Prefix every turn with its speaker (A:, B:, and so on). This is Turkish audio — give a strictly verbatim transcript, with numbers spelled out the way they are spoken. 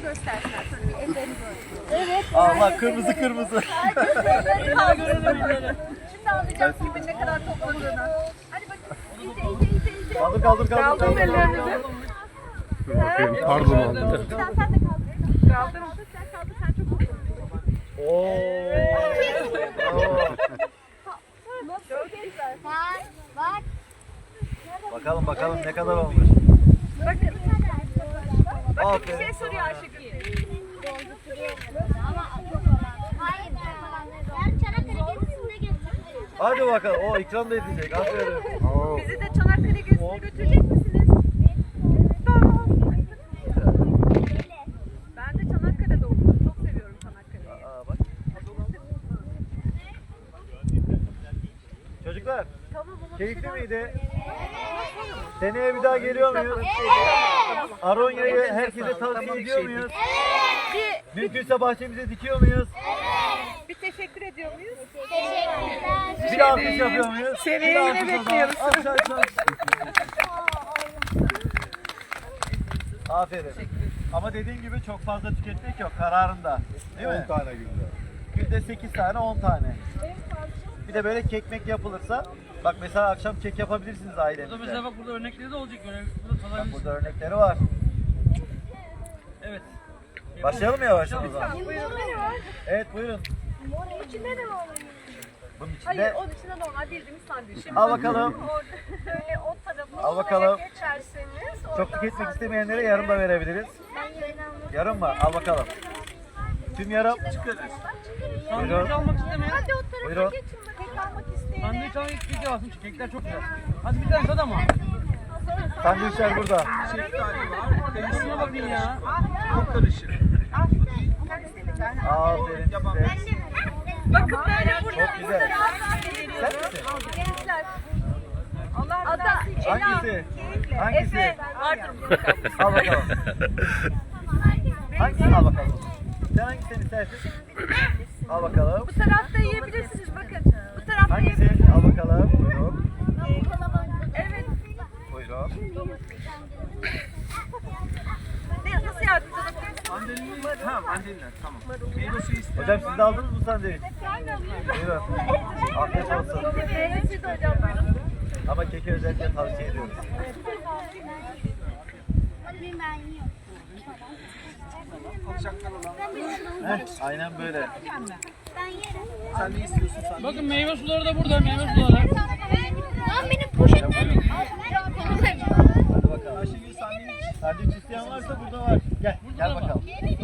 A: göstersinler. Şöyle bir ellerini görsün.
B: Evet. Allah kırmızı kırmızı.
A: Şimdi alacağız gibi ne kadar topladığını. Hadi bakın. İyice iyice iyice iyice.
B: Kaldır kaldır kaldır.
A: Kaldır ellerinizi.
C: Dur bakayım. Pardon aldım.
A: Sen sen de kaldır. Kaldır. Sen kaldır. Sen çok mutlusun.
B: Oo.
A: Çok güzel.
D: Bak, bak.
B: Bakalım bakalım ne kadar olmuş.
A: Bakın. Bakın bir
B: Aferin.
A: şey soruyor Ayşegül.
D: Ama çok olan. Hayır, çok olan. Ben Çanakkale gezisinde getirdim.
B: Hadi bakalım. O ikram da edecek. Aferin. Oo.
A: Bizi de Çanakkale gezisine götürecek misiniz? Tamam. Ben de Çanakkale'de okudum. Çok seviyorum Çanakkale'yi.
B: Aa, bak. Çocuklar,
A: Tamam ama
B: keyifli miydi? Seneye bir daha geliyor muyuz? Aronya'yı herkese tavsiye ediyor muyuz?
A: bir,
B: Mümkünse bahçemize dikiyor muyuz?
A: bir teşekkür ediyor muyuz?
D: Teşekkürler.
B: Bir alkış yapıyor muyuz?
A: Seneye
B: Bir
A: yine
B: alkış o zaman.
A: bekliyoruz.
B: Alkış, alkış, alkış. Aferin. Ama dediğim gibi çok fazla tüketmek yok kararında. Değil mi?
C: on tane günde.
B: Günde sekiz tane on tane. Bir de böyle kekmek yapılırsa, bak mesela akşam kek yapabilirsiniz
E: Burada
B: ailenizle.
E: mesela bak burada örnekleri de olacak. Böyle burada
B: Bak
E: kalabilirsin.
B: burada örnekleri var.
E: Evet.
B: Başlayalım mı yavaştan o zaman?
A: Buyurun. Ne var?
B: Evet buyurun.
A: İçinde ne var?
B: Bunun
A: Hayır,
B: içinde
A: onun içinde normal bildiğimiz sandviç.
B: al bakalım.
A: Orada böyle o tarafı
B: Al bakalım.
A: geçerseniz
B: Çok
A: oradan
B: tüketmek
A: sandviç-
B: istemeyenlere yarım da verebiliriz. Yarım mı? Al bakalım. Tüm yarım.
E: Sandviç
B: Buyurun.
E: almak istemeyen.
A: Hadi o tarafa
B: Buyurun.
A: geçin bakayım. Kek almak isteyene.
E: Sandviç almak isteyen alsın. Kekler çok güzel. Hadi bir tane tad ama.
B: Sandviçler burada.
E: Şuna bakın ya.
B: Aferin size.
A: Bakın böyle burada.
B: Çok güzel. Sen misin?
A: Gençler. Allah rızası için.
B: Hangisi? Hangisi?
A: Efe. Vardır mutlaka.
B: Al bakalım. Hangisini al bakalım? Sen hangisini istersin? Al bakalım.
A: Bu tarafta yiyebilirsiniz bakın. Bu tarafta
B: Hangisi?
A: yiyebilirsiniz.
B: Al bakalım. Buyurun.
A: Evet.
B: Buyurun.
A: Ne, nasıl yardımcı olabiliriz?
E: Mandalina. Ha mandalina. Tamam. Meyve suyu isteyen.
B: Hocam siz de aldınız mı sandviç? Buyurun. Afiyet olsun.
A: Meyvesi de hocam buyurun.
B: Ama keki özellikle tavsiye ediyoruz.
D: Ben yiyorum.
B: Heh, aynen böyle.
D: Ben yerim.
B: Sen ne istiyorsun sen?
E: Bakın meyve suları da burada. Meyve suları.
D: Lan benim poşetlerim.
B: Hadi bakalım. Sandviç isteyen varsa burada var. Gel, gel bakalım.